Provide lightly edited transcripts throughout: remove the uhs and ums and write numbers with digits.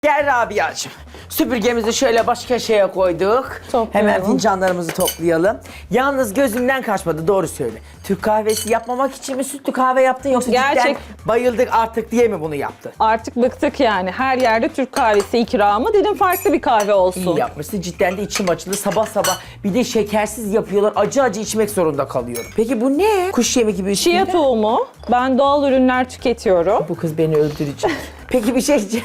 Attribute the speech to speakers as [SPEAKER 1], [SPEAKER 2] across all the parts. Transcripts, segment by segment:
[SPEAKER 1] Gel Rabia'cığım. Süpürgemizi şöyle baş köşeye koyduk.
[SPEAKER 2] Toplayalım.
[SPEAKER 1] Hemen fincanlarımızı toplayalım. Yalnız gözümden kaçmadı, doğru söyle. Türk kahvesi yapmamak için mi sütlü kahve yaptın yoksa cidden bayıldık artık diye mi bunu yaptın?
[SPEAKER 2] Artık bıktık yani. Her yerde Türk kahvesi ikramı. Dedim farklı bir kahve olsun.
[SPEAKER 1] İyi yapmışsın, cidden de içim açıldı sabah sabah. Bir de şekersiz yapıyorlar, acı acı içmek zorunda kalıyorum. Peki bu ne? Kuş yemi gibi üstünde.
[SPEAKER 2] Chia tohumu. Ben doğal ürünler tüketiyorum.
[SPEAKER 1] Bu kız beni öldürecek. Peki bir şey diyeceğim.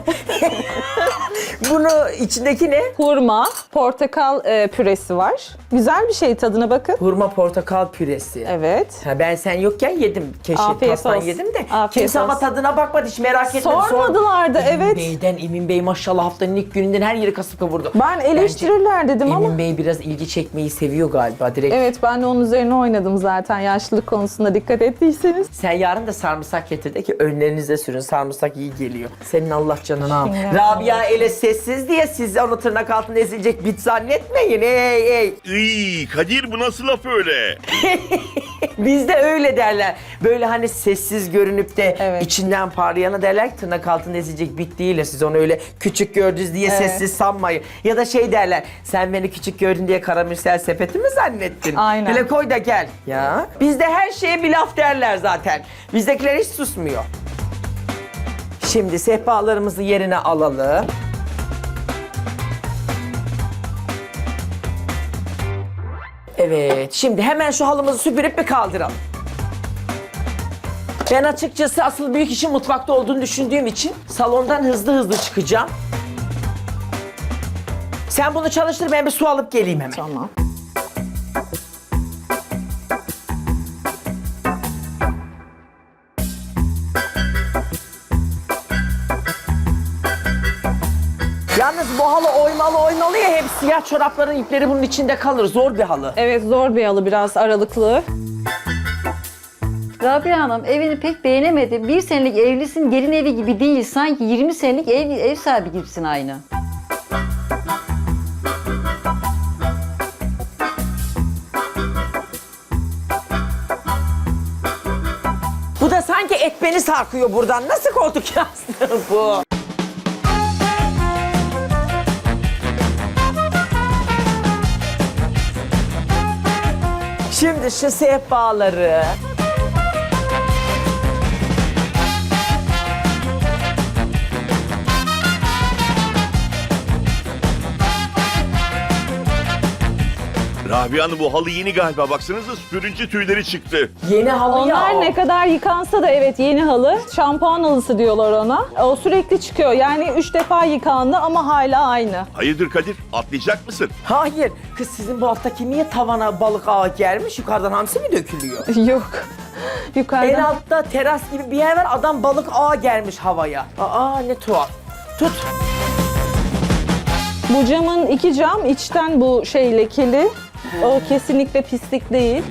[SPEAKER 1] Bunu içindeki ne?
[SPEAKER 2] Hurma, portakal püresi var. Güzel bir şey, tadına bakın.
[SPEAKER 1] Hurma portakal püresi.
[SPEAKER 2] Evet.
[SPEAKER 1] Ha, ben sen yokken yedim. Keşke
[SPEAKER 2] Afiyet
[SPEAKER 1] pastan
[SPEAKER 2] olsun.
[SPEAKER 1] yedim de.
[SPEAKER 2] Afiyet
[SPEAKER 1] Kimse ama
[SPEAKER 2] olsun.
[SPEAKER 1] tadına bakmadı, hiç merak etmedi.
[SPEAKER 2] Sormadılar da, evet.
[SPEAKER 1] Emin Bey maşallah haftanın ilk gününden her yeri kasıp kavurdu.
[SPEAKER 2] Ben eleştirirler dedim ama.
[SPEAKER 1] Emin Bey biraz ilgi çekmeyi seviyor galiba direkt.
[SPEAKER 2] Evet, ben de onun üzerine oynadım zaten yaşlılık konusunda, dikkat ettiyseniz.
[SPEAKER 1] Sen yarın da sarımsak getir de ki önlerinize sürün, sarımsak iyi geliyor. Senin Allah canını al.
[SPEAKER 2] Şimdi-
[SPEAKER 1] Rabia ele sessiz diye siz onu tırnak altında ezilecek bit zannetmeyin. Ey.
[SPEAKER 3] Iy, Kadir bu nasıl laf öyle?
[SPEAKER 1] Bizde öyle derler. Böyle hani sessiz görünüp de
[SPEAKER 2] Evet.
[SPEAKER 1] içinden parlayana derler ki tırnak altında ezilecek bit değil. Siz onu öyle küçük gördünüz diye
[SPEAKER 2] Evet.
[SPEAKER 1] sessiz sanmayın. Ya da şey derler, sen beni küçük gördün diye karamürsel sepeti mi zannettin?
[SPEAKER 2] Aynen.
[SPEAKER 1] Hele koy da gel. Ya. Bizde her şeye bir laf derler zaten. Bizdekiler hiç susmuyor. Şimdi sehpalarımızı yerine alalım. Evet, şimdi hemen şu halımızı süpürüp bir kaldıralım. Ben açıkçası asıl büyük işin mutfakta olduğunu düşündüğüm için salondan hızlı çıkacağım. Sen bunu çalıştır, ben bir su alıp geleyim hemen.
[SPEAKER 2] Tamam.
[SPEAKER 1] Yalnız bu halı oymalı ya, hep siyah çorapların ipleri bunun içinde kalır. Zor bir halı.
[SPEAKER 2] Evet, zor bir halı, biraz aralıklı.
[SPEAKER 4] Rabia Hanım evini pek beğenemedi. Bir senelik evlisin, gelin evi gibi değil. Sanki 20 senelik ev sahibi gibisin aynı.
[SPEAKER 1] Bu da sanki et beni sarkıyor buradan. Nasıl koltuk yastığı bu? Şimdi şu sehpaları...
[SPEAKER 3] Rabia Hanım bu halı yeni galiba. Baksanıza süpürünce tüyleri çıktı.
[SPEAKER 1] Yeni halı ya
[SPEAKER 2] Onlar
[SPEAKER 1] o.
[SPEAKER 2] ne kadar yıkansa da evet yeni halı. Şampuan halısı diyorlar ona. O sürekli çıkıyor. Yani 3 defa yıkandı ama hala aynı.
[SPEAKER 3] Hayırdır Kadir? Atlayacak mısın?
[SPEAKER 1] Hayır. Kız sizin bu haftaki niye tavana balık ağı gelmiş? Yukarıdan hamsi mi dökülüyor?
[SPEAKER 2] Yok.
[SPEAKER 1] En
[SPEAKER 2] Yukarıdan.
[SPEAKER 1] altta teras gibi bir yer var. Adam balık ağı gelmiş havaya. Aa ne tuhaf. Tut.
[SPEAKER 2] Bu camın 2 cam, içten bu şey lekeli. O kesinlikle pislik değil.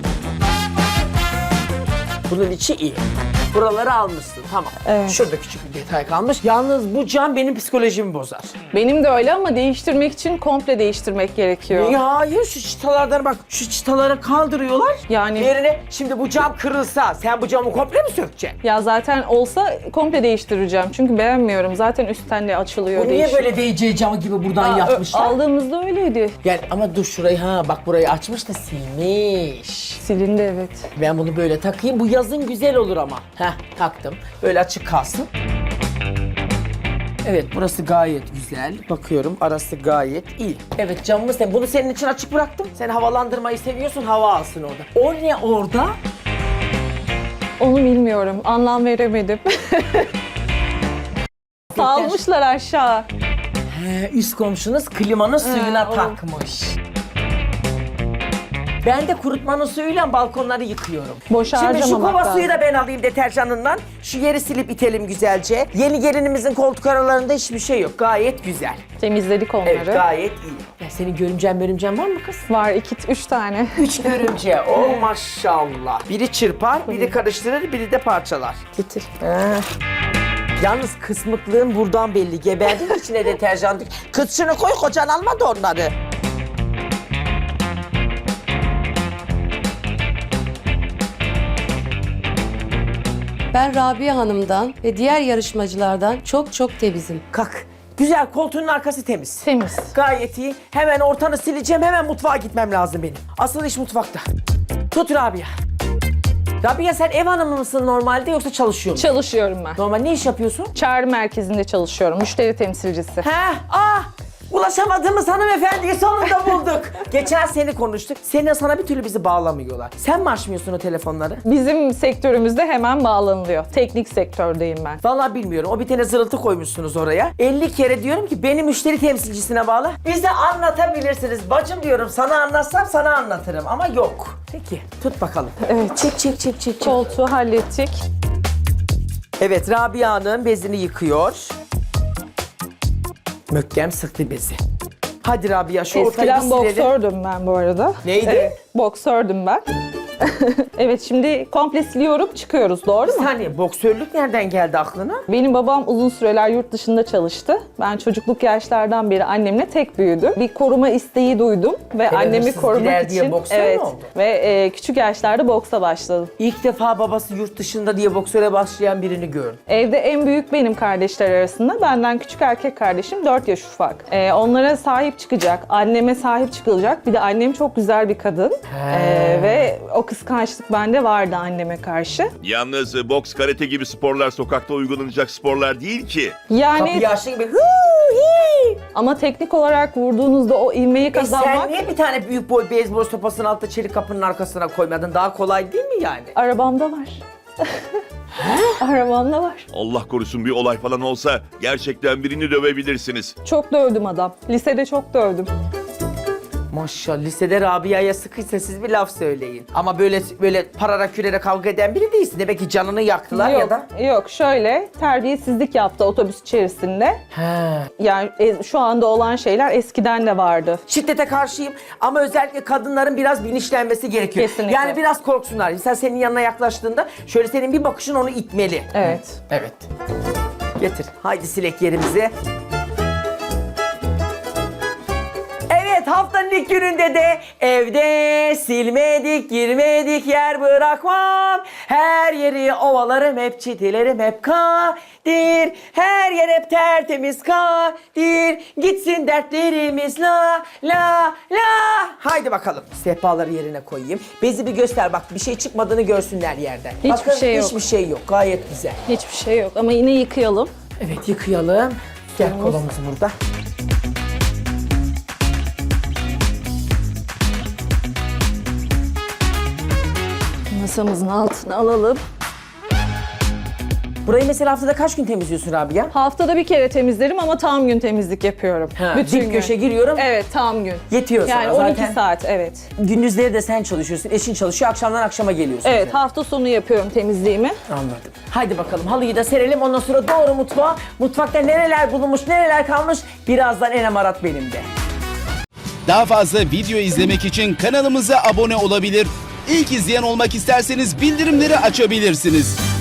[SPEAKER 1] Bunun içi iyi. Buraları almışsın, tamam.
[SPEAKER 2] Evet.
[SPEAKER 1] Şurada küçük bir detay kalmış. Yalnız bu cam benim psikolojimi bozar.
[SPEAKER 2] Benim de öyle ama değiştirmek için komple değiştirmek gerekiyor.
[SPEAKER 1] Ya hayır, şu çıtalardan bak, şu çıtaları kaldırıyorlar.
[SPEAKER 2] Yani-
[SPEAKER 1] Yerine şimdi bu cam kırılsa sen bu camı komple mi sökeceksin?
[SPEAKER 2] Ya zaten olsa komple değiştireceğim. Çünkü beğenmiyorum. Zaten üstten de açılıyor.
[SPEAKER 1] Bu niye
[SPEAKER 2] değişiyor.
[SPEAKER 1] böyle VC camı gibi buradan
[SPEAKER 2] Aa,
[SPEAKER 1] yapmışlar?
[SPEAKER 2] Aldığımızda öyleydi.
[SPEAKER 1] Yani ama dur şurayı, ha bak burayı açmış da silmiş.
[SPEAKER 2] Silindi evet.
[SPEAKER 1] Ben bunu böyle takayım, bu yazın güzel olur ama. Heh, taktım. Böyle açık kalsın. Evet, burası gayet güzel. Bakıyorum, arası gayet iyi. Evet, camımı bunu senin için açık bıraktım. Sen havalandırmayı seviyorsun, hava alsın orada. O ne orada?
[SPEAKER 2] Onu bilmiyorum. Anlam veremedim. Salmışlar aşağı.
[SPEAKER 1] He, üst komşunuz klimanın suyuna
[SPEAKER 2] o-
[SPEAKER 1] takmış. Ben de kurutmanın suyuyla balkonları yıkıyorum.
[SPEAKER 2] Boş
[SPEAKER 1] Şimdi şu
[SPEAKER 2] harcamamak
[SPEAKER 1] kova suyu
[SPEAKER 2] lazım.
[SPEAKER 1] da ben alayım deterjanından. Şu yeri silip itelim güzelce. Yeni gelinimizin koltuk aralarında hiçbir şey yok. Gayet güzel.
[SPEAKER 2] Temizledik onları.
[SPEAKER 1] Evet, gayet iyi. Ya senin görümcen var mı kız?
[SPEAKER 2] Var 3 tane.
[SPEAKER 1] 3 görümce. Oh maşallah. Biri çırpar, biri karıştırır, biri de parçalar.
[SPEAKER 2] Getir.
[SPEAKER 1] Yalnız kısmıklığın buradan belli. Geberdin içine deterjan dök. Kız şunu koy, kocan almadı onları.
[SPEAKER 5] Ben Rabia Hanım'dan ve diğer yarışmacılardan çok temizim.
[SPEAKER 1] Kalk. Güzel, koltuğunun arkası temiz.
[SPEAKER 2] Temiz.
[SPEAKER 1] Gayet iyi. Hemen ortanı sileceğim, hemen mutfağa gitmem lazım benim. Asıl iş mutfakta. Tut Rabia. Rabia sen ev hanımı mısın normalde yoksa çalışıyor musun?
[SPEAKER 2] Çalışıyorum ben.
[SPEAKER 1] Normal ne iş yapıyorsun?
[SPEAKER 2] Çağrı merkezinde çalışıyorum. Müşteri temsilcisi.
[SPEAKER 1] Ulaşamadığımız hanımefendiyi sonunda bulduk. Geçen seni konuştuk. Sana bir türlü bizi bağlamıyorlar. Sen mi açmıyorsun o telefonları?
[SPEAKER 2] Bizim sektörümüzde hemen bağlanılıyor. Teknik sektördeyim ben.
[SPEAKER 1] Vallahi bilmiyorum. O bir tane zırıltı koymuşsunuz oraya. 50 kere diyorum ki beni müşteri temsilcisine bağla. Bize anlatabilirsiniz. Bacım diyorum, sana anlatsam sana anlatırım ama yok. Peki tut bakalım.
[SPEAKER 2] Evet.
[SPEAKER 1] Çek.
[SPEAKER 2] Koltuğu hallettik.
[SPEAKER 1] Evet, Rabia'nın bezini yıkıyor. Mökkem sıktı bezi. Hadi Rabia şu ortayı bir
[SPEAKER 2] Eskiden
[SPEAKER 1] silelim.
[SPEAKER 2] boksördüm ben bu arada.
[SPEAKER 1] Neydi?
[SPEAKER 2] Evet, boksördüm ben. Evet, şimdi komple siliyorum, çıkıyoruz, doğru
[SPEAKER 1] Bir
[SPEAKER 2] mu?
[SPEAKER 1] saniye, boksörlük nereden geldi aklına?
[SPEAKER 2] Benim babam uzun süreler yurt dışında çalıştı. Ben çocukluk yaşlardan beri annemle tek büyüdüm. Bir koruma isteği duydum ve annemi
[SPEAKER 1] hırsız
[SPEAKER 2] korumak
[SPEAKER 1] gider diye
[SPEAKER 2] için
[SPEAKER 1] boksör mü oldu?
[SPEAKER 2] ve küçük yaşlarda boksa başladım.
[SPEAKER 1] İlk defa babası yurt dışında diye boksöre başlayan birini gördüm.
[SPEAKER 2] Evde en büyük benim kardeşler arasında. Benden küçük erkek kardeşim 4 yaş ufak. Onlara sahip çıkacak, anneme sahip çıkılacak. Bir de annem çok güzel bir kadın. Ve o kıskançlık bende vardı anneme karşı.
[SPEAKER 3] Yalnız boks, karate gibi sporlar sokakta uygulanacak sporlar değil ki.
[SPEAKER 2] Yani
[SPEAKER 1] Kapıyı açtı gibi
[SPEAKER 2] ama teknik olarak vurduğunuzda o ivmeyi
[SPEAKER 1] sen
[SPEAKER 2] kazanmak
[SPEAKER 1] niye bir tane büyük boy beyzbol sopasının altında çelik kapının arkasına koymadın? Daha kolay değil mi yani?
[SPEAKER 2] arabamda var. Arabamda var.
[SPEAKER 3] Allah korusun bir olay falan olsa gerçekten birini dövebilirsiniz.
[SPEAKER 2] Çok dövdüm adam. Lisede çok dövdüm.
[SPEAKER 1] Maşallah, lisede Rabia'ya sıkıysa siz bir laf söyleyin. Ama böyle parara kürere kavga eden biri değilsin. Demek ki canını yaktılar
[SPEAKER 2] Yok,
[SPEAKER 1] ya da.
[SPEAKER 2] yok, şöyle terbiyesizlik yaptı otobüs içerisinde. Yani şu anda olan şeyler eskiden de vardı.
[SPEAKER 1] Şiddete karşıyım ama özellikle kadınların biraz bilinçlenmesi gerekiyor.
[SPEAKER 2] Kesinlikle.
[SPEAKER 1] Yani biraz korksunlar. Mesela senin yanına yaklaştığında şöyle senin bir bakışın onu itmeli.
[SPEAKER 2] Evet.
[SPEAKER 1] Evet. Getir. Haydi silek yerimizi. Evet, haftanın ilk gününde de evde silmedik, girmedik, yer bırakmam. Her yeri ovalarım, hep çitilerim, hep kadir. Her yer hep tertemiz kadir. Gitsin dertlerimiz la la la. Haydi bakalım. Sehpaları yerine koyayım. Bezi bir göster bak, bir şey çıkmadığını görsünler yerden.
[SPEAKER 2] Hiçbir
[SPEAKER 1] Bakın,
[SPEAKER 2] şey yok.
[SPEAKER 1] Hiçbir şey yok. Gayet güzel.
[SPEAKER 2] Hiçbir şey yok ama yine yıkayalım.
[SPEAKER 1] Evet, yıkayalım. Gel kolamız burada.
[SPEAKER 2] Masamızın altına alalım.
[SPEAKER 1] Burayı mesela haftada kaç gün temizliyorsun Rabia?
[SPEAKER 2] Haftada bir kere temizlerim ama tam gün temizlik yapıyorum.
[SPEAKER 1] Dip köşe giriyorum.
[SPEAKER 2] Evet, tam gün.
[SPEAKER 1] Yetiyor sana
[SPEAKER 2] Yani
[SPEAKER 1] zaten.
[SPEAKER 2] 12 saat, evet.
[SPEAKER 1] Gündüzleri de sen çalışıyorsun, eşin çalışıyor, akşamdan akşama geliyorsun.
[SPEAKER 2] Evet,
[SPEAKER 1] sen.
[SPEAKER 2] hafta sonu yapıyorum temizliğimi.
[SPEAKER 1] Anladım. Haydi bakalım, halıyı da serelim, ondan sonra doğru mutfağa. Mutfakta nereler bulunmuş, nereler kalmış, birazdan Enem Arat benim de.
[SPEAKER 5] Daha fazla video izlemek için kanalımıza abone olabilir. İlk izleyen olmak isterseniz bildirimleri açabilirsiniz.